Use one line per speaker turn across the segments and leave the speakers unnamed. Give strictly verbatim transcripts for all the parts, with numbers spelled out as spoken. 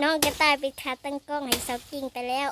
น้องกระต่ายไปขาตั้งกล้องให้สาวกิ่งไปแล้ว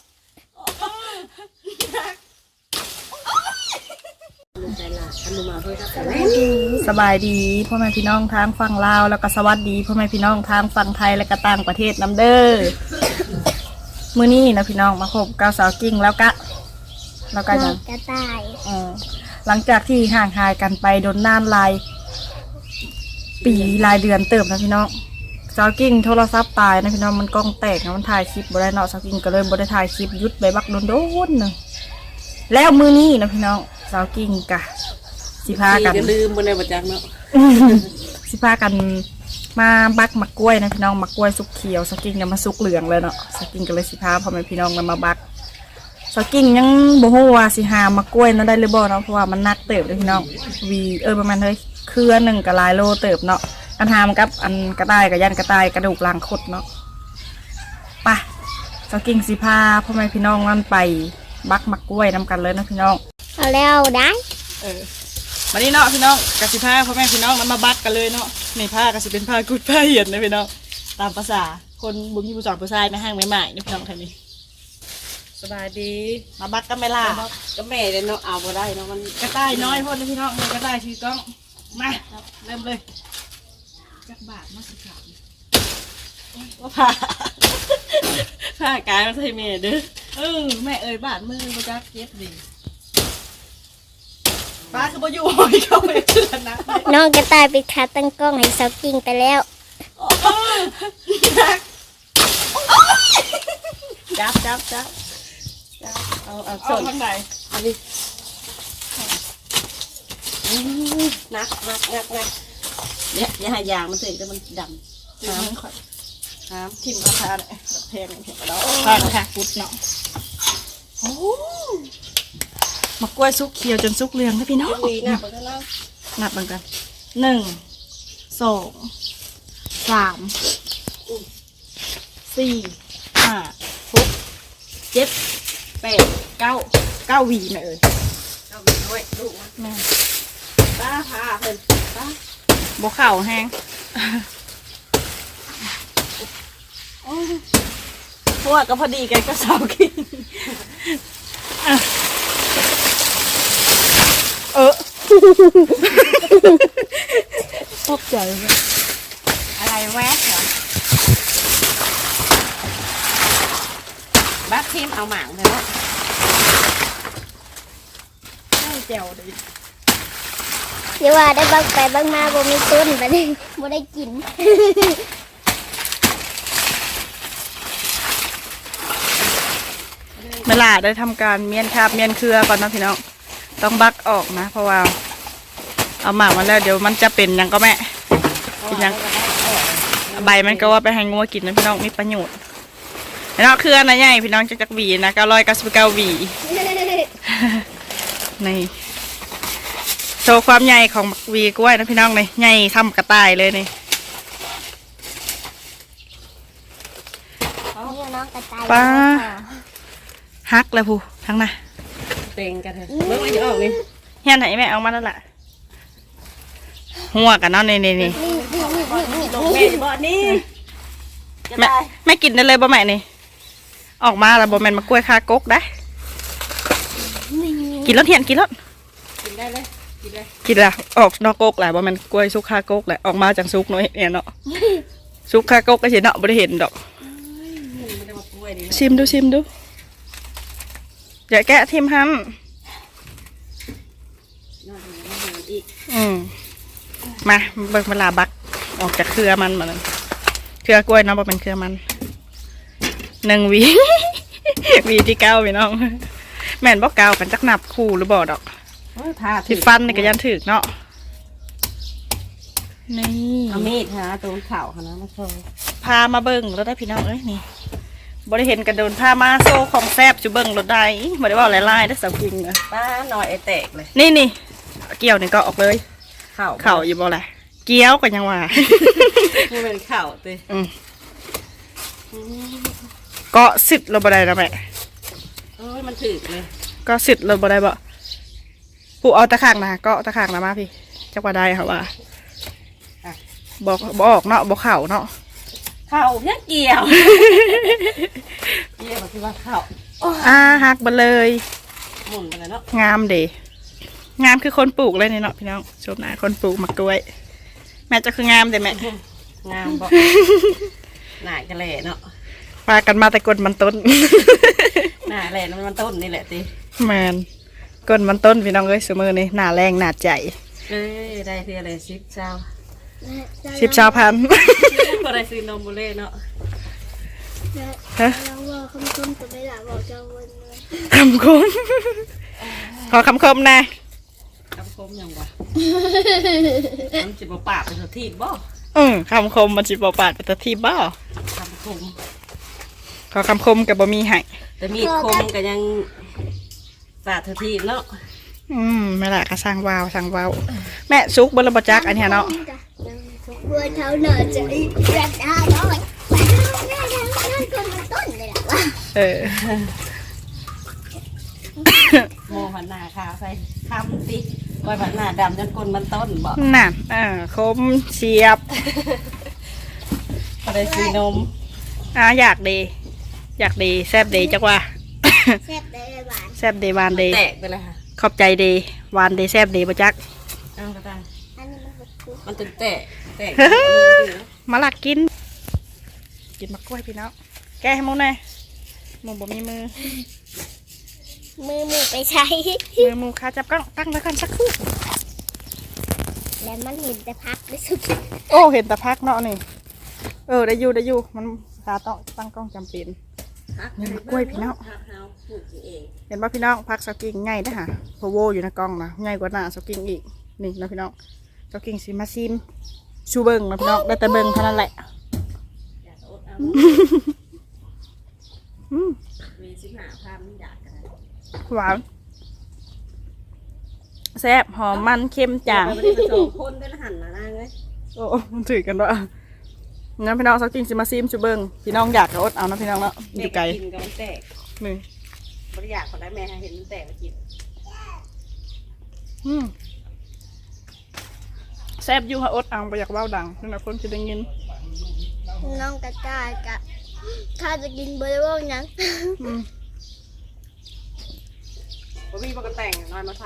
สบายดีพ่อแม่พี่น้องทางฝั่งลาวแล้วก็สวัสดีพ่อแม่พี่น้องทางฝั่งไทยและก็ต่างประเทศนำเด้อมื้อนี้นะพี่น้องมาพบกับสาวกิ่งแล้วก็แล้วก็
น้
ยั
อง งกระต่าย
เออหลังจากที่ห่างหายกันไปโดนนานหลายปีหลายเดือนเติบนะพี่น้องสาวกิ่งโทรศัพท์ตายนะพี่น้องมันกล้องแตกนะมันถ่ายคลิปบ่ได้เนาะสาวกิ่งก็เลยบ่ได้ถ่ายคลิปยุดไปบักโดนๆนึงแล้วมื้อนี้นะพี่น้องสาวกิ่งกะสิพากัน
ลืมบนในบัจักเนาะ
สิพากันมาบักมะกล้วยนะพี่น้องมะกล้วยสุกเขียวสกิ้งเนี่ยมาสุกเหลืองเลยเนาะสกิ้งก็เลยสิพาพ่อแม่พี่น้องกันมาบักสกิ้งยังบ่ฮู้ว่าสิหามะกล้วยนั้นได้หรือบ่เนาะเพราะว่ามันหนักเติบเลยพี่น้องวีเออประมาณเฮ้ยเครือหนึ่งกับหลายโลเติบเนาะกันหามกับอันกระต่ายกับยันกระต่ายกระดูกลางคดเนาะไปสกิ้งสิพาพ่อแม่พี่น้องนั่นไปบักมะกล้วยนำกันเลยนะพี่น้อง
เอาแล้วได้
เออมานี่เนาะพี่น้องกสิผ้าพ่อแม่พี่น้องมันมาบักกันเลยเนาะในผ้ากสิเป็นผ้ากุดผ้าเหียนนะพี่น้องตามภาษาคนบุญมีผู้สอนผู้ชายไม่ห้างไม่ใหม่นะพี่น้องท่านนี้สบายดีมาบักกันไหมล่ะ
ก็แม่เลยเนาะเอาบ่ได้เนาะมัน
กระต่ายน้อยพ่อนะพี่น้องกระต่ายชีกล้องมาเริ่มเลยจักบาทมาสิครับว่าผ้าผ้ากายมาใส่แม่เด้อเออแม่เอ่ยบาทมือมาจักเก็บดีป้าคือบ่อยู่หอยเข้าไปเชื่อนะ
น้องกระต่ายไปขาตั้งกล้องให้สาวกิ่งไปแล้ว
จับจับจับจับเอาเอา
เอา
ส่วน
ข้างใน
อันนี้นักนักนักนักเนี่ยอย่าให้ยางมันเสร็จแต่มันดำ
น้ำข่อย
น้
ทิมราคาเลยแพงแพงกระดอกแพงค่ะพุดเนาะโอ้มะกล้วยสุกเขียวจนสุกเหลืองนะพี่น้อง
ำวีนะไปแล้ว
นับเหมือนกันหนึ่งสองสามสี่ห้าหกเจ็ดแปดเก้าเก้าหวีนะเอ่ย
เอาวีด้วยลูกนะ
แม่
ป้าพาเพิ่นป้า
บวเข่าแห้งเพราะว่าก็พอดีกันก็สาวกินเออตกใจเลย
อะไรแวะเหรอบักทีมเอาหมางเลยเนาะ
แจ๋วเลย
เดี๋ยวว่าได้บักไปบักมาบ่มีต้นไปเลยบ่ได้กิน
เวลาได้ทำการเมียนคาบเมียนเครือก่อนนะพี่น้องต้องบักออกนะเพราะว่าเอาหมากมาแล้วเดี๋ยวมันจะเป็นยังก็แม่เป็นยังใบมันก็ว่าไปให้งัวกินนะพี่น้องมีประโยชน์พี่น้องเครือนะใหญ่พี่น้องจะจักหวีนะเก้าร้อยเก้าสิบเก้าหวีนี่โชว์ความใหญ่ของหวีกล้วยนะพี่น้องเลยใหญ่ทำกระต่ายเลยนี่
นี่น้องกระต่าย
ป้าฮักเลยผู้ทั้งน่ะ
เต็งกันเถอะเมื่อวันจะออกนี่
เฮียนไหนแม่เอามาแล้วล่ะหัวกันเนาะนี่นี่นี่
ลงแม่บ่นี่จะ
แม่
ได้
แม่กินได้เลยบ่แม่นี่ออกมาแล้วบ่แม่นมากล้วยคากกได้กินแล้วเทียนกินแล้ว
กินได้เลยกินเลย
กินแล้วออกนอกกกแหละบ่แม่นกล้วยสุกคากกแหละออกมาจากสุกเนาะเนี่ยเนาะสุกคากกก็สิเนาะบ่ได้เห็นดอก
ไม่ได้มาป่วยนี่
ชิมดูชิมดูอย่าแกะทิมหัน
นอนอยู่ในห้องอีก
อืมมาเบิ่งเวลาบักออกจากเครือมันมาเลยเครือกล้วยเนาะบ่เป็นเครือมันหนึ่งหวี หวีที่เก้าพี่น้องแม่นบ่เก้ากันจักนับคู่หรือบ่ดอก
ทา
ที่ฟันนี่ก็ยันถึกเนาะนี่
เอามีดฮะตรงเข่าค่ะนะมาโชว์
พามาเบิ่งรถได้พี่น้องเอ้ยนี่บ่ได้เห็นกันโดนพามาโซ่ของแซบจุเบิ่งรถได้บ่ได้ว่าหลายๆได้อสาวกิงนะ
ป้าหน่อยไอแตกเลย
นี่นี่เกี่ยวนี่ก็ออกเลย
เข่า
เข่าอยู่บ่ล่ะเกี้ยวก็ยังว่า
มันเป็นเข่าเต้
อืมก็สิทธิ์เราบ่ได้นะแม่
เอ้ยมันถึกเลย
ก็สิทธิ์เราบ่ได้บ่ผู้เอาตะขางนะก็ตะขางนะมาพี่จักว่าได้ค่ะว่าบอกบอกเนาะบอกเข่าเนาะ
เขข้าวเพี้ยเกี่ยวเกี่ยวแบบที่ว่าข้าว
อ่าหักไปเลย
หมุนไปแล้วเนาะ
งามเดงามคือคนปลูกเลยนี่เนาะพี่น้องชมหน้าคนปลูกมะกล้วย แม่จะคืองามเด้แม่
งามบอกหน่าจะแหล่เนาะ
พากันมาแต่กดมันต้น
หน่าแหล่นั่นมันต้นนี่แหละติ
แมนกดมันต้นพี่น้องเอ้ยสมือนี่หน้าแรงหน้าใจ
เอ้ยได้เท่าไรสิบเจ้า
สิบชาวพัน
ก็ได้ซื้อนมบุเล่เนาะ
ฮะ
ลองบอกคำคมตัวไม่หลับบอกเจ้าวันเลย
คำคมขอคำคมนะ
คำคมยังวะมันจิบปากเป็นทีบบ่
อืมคำคมมันจิบปาดเป็นตะทีบ้า
คำคม
ขอคำคมกับบะมีให้
แต่มีคมก็ยังปากเธอทีบเนาะ
อืมไม่ละก็สร้างวาวสร้างวาวแม่ซุกบนระบจักอันเนี้ยเนาะ
เบื่อเท้าเหนื่อยจะอีกเด็ดได้ด้วยไปแม่ทำนั่นคนมันต้นเลยหรอวะ
เออ
โมหันหน้าขาวใส่คำติไว้หันหน้าดำจนก้นมันต้นบ่
น่ะอ่าคมเฉียบ
ก็ได้ซื้อนม
อ่าอยากดี อยากดีแซบดีจักว่า
แซ่บได้หวาน
แซบดีหวานดี
แตกไปเลยค่ะ
ขอบใจดีหวานดีแซบดีบจัก
เอ้าวก็ได้
อันนี้มันแบบคุก
มันตึงแตกแตก
มาลักกิน กินมะกล้วยพี่น้องแกให้หมูหน่อยหมูบ่มีมือ
มือมือไปใช้
มือหมูขาจับกล้องตั้งไว้ก่อนสักครู่
แล้วมันเห็นแต่พักได้สุด
โอ้เห็นแต่พักเนาะนี่เออได้อยู่ได้อยู่มันขาต้องตั้งกล้องจำเป็น นี่มะกล้วยพี่น้อง
ฮักเฮาปลูกเอง
เห็นป่ะพี่น้องพักสกิ้งง่ายนะฮะโพโวอยู่ในกล้องนะง่ายกว่าหน้าสกิ้งอีกนี่นะพี่น้องสกิ้งซิมาซิมชูเบิงนะพี่น้องได้แต่เบิงเท่านั้นแหละ
อยากอดเอา
อืม
มีสิบห้าพันอยากกัน
หวานแซ่บหอมมันเค็มจาง
ไม่ได้มาโชว์คนได้ละหันละนางเลย
โอ้มันถือกันด้วยงั้นพี่น้องสกิ้งซิมาซิมชูเบิงพี่น้องอยากก็อดเอานะพี่น้องเนาะอยู่ไกล
กินกับมันแตก
นี่
บริยากคนได้แม่เห็นมันแตกมากิน
อืมแซ่บอยู่ค่ะอดเอาไปอยากว่าวดังนี่นะคนจะได้ยิน
น้องกระต่ายกะข้าจะกินเบอร์โบยัง
อืม
บ่มีปกแต่งน้อยมาใส่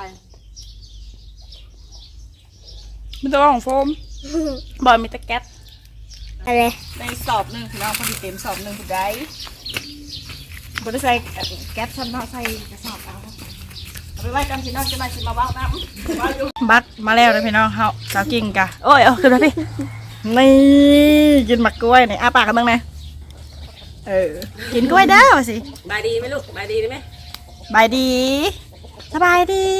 มันจะว่าของโฟมบอยมีแต่แก๊ส
อะไร
ในสอบหนึ่งพี่น้องพอดีเต็มสอบหนึ่งคุณได้บริใส่แก๊สชั้นเนาะใส่กระสอบเอาเอาไปไว้กันพี่น้องจะมาชิมมาบ้าน้ำบ้าอยู่บัตรมาแล้วนะพี่น้องเฮาสาวกิ่งกะโอ้ยเอาขึ้นมาพี่นี่กินหมักกล้วยนี่อ้าปากกันบ้างไหมเออกินกล้วยเด้อสิ
บายดีไหมลูกบายดีไหม
บายดีสบายดี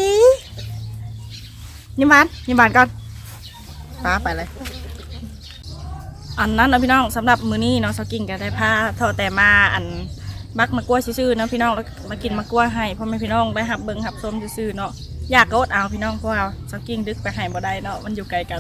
ยิ้มหวานยิ้มหวานก่อนป้าไปเลยอันนั้นนะพี่น้องสำหรับมื้อนี้เนาะสกิ้งก็ได้พาทอแต่มาอันบักมะกล้วยซื่อๆเนาะพี่น้องแล้วมากินมะกล้วยให้พ่อแม่พี่น้องได้หับเบิ่งหับส้มซื่อๆเนาะอยากก็อดเอาพี่น้องเพราะว่าสกิ้งดึกไปให้บ่ได้เนาะมันอยู่ไกลกัน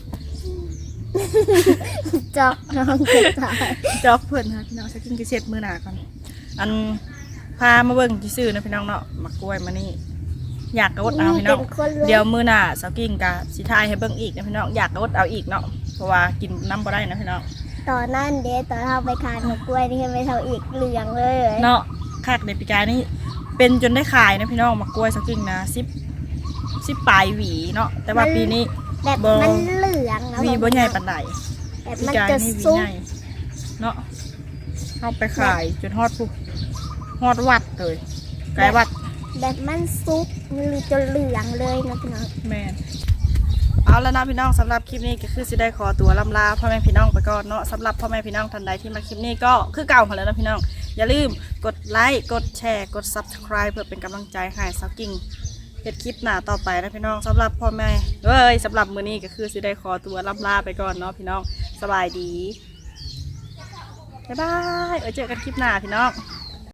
จอกน้องกระต่าย
จอกเพิ่นค่ะพี่น้องสกิ้งก็เช็ดมือหน้าก่อนอันพามาเบิ่งซื่อๆเนาะพี่น้องเนาะมะกล้วยมานี่อยากก็อดเอาพี่น้องเดี๋ยวมื้อหน้าสกิ้งก็สิทายให้เบิ่งอีกนะพี่น้องอยากก็อดเอาอีกเนาะเพราะว่ากินน้ำบ่ได้นะพี่น้อง
ตอนนั่นเดตอนเราไปทานมะกล้วยนี่ไม่เท่าอีกเหลืองเลย
เนาะคากในปีกายนี่เป็นจนได้ขายนะพี่น้องมะกล้วยสักกิ่งนะสิบสิบปลายหวีเนาะแต่ว่าปีนี้
แบบมันเหลือง
หวีบ่ใหญ่ปานใด
แบบ
ปี
มัน
กาย
จะ
นี่หวี
ซุก
ใหญ่เนาะเอาไปขายจนฮอดปุ๊บฮอดวัดเลยไกลวัด
แบบมันซุกมันจนเหลืองเลยนะพี่น้อง
แม่นเอาแล้วนะพี่น้องสำหรับคลิปนี้ก็คือสิได้ขอตัวลำลาพ่อแม่พี่น้องไปก่อนเนาะสำหรับพ่อแม่พี่น้องท่านใดที่มาคลิปนี้ก็คือเก่าของแล้วนะพี่น้องอย่าลืมกดไลค์กดแชร์กด ซับสไครบ์ เพื่อเป็นกำลังใจให้สาวกิ่งเฮ็ดคลิปหน้าต่อไปนะพี่น้องสำหรับพ่อแม่เอ้ยสำหรับมื้อนี้ก็คือสิได้ขอตัวลำลาไปก่อนเนาะพี่น้องสบายดีบ๊ายบายไว้เจอกันคลิปหน้าพี่น้อง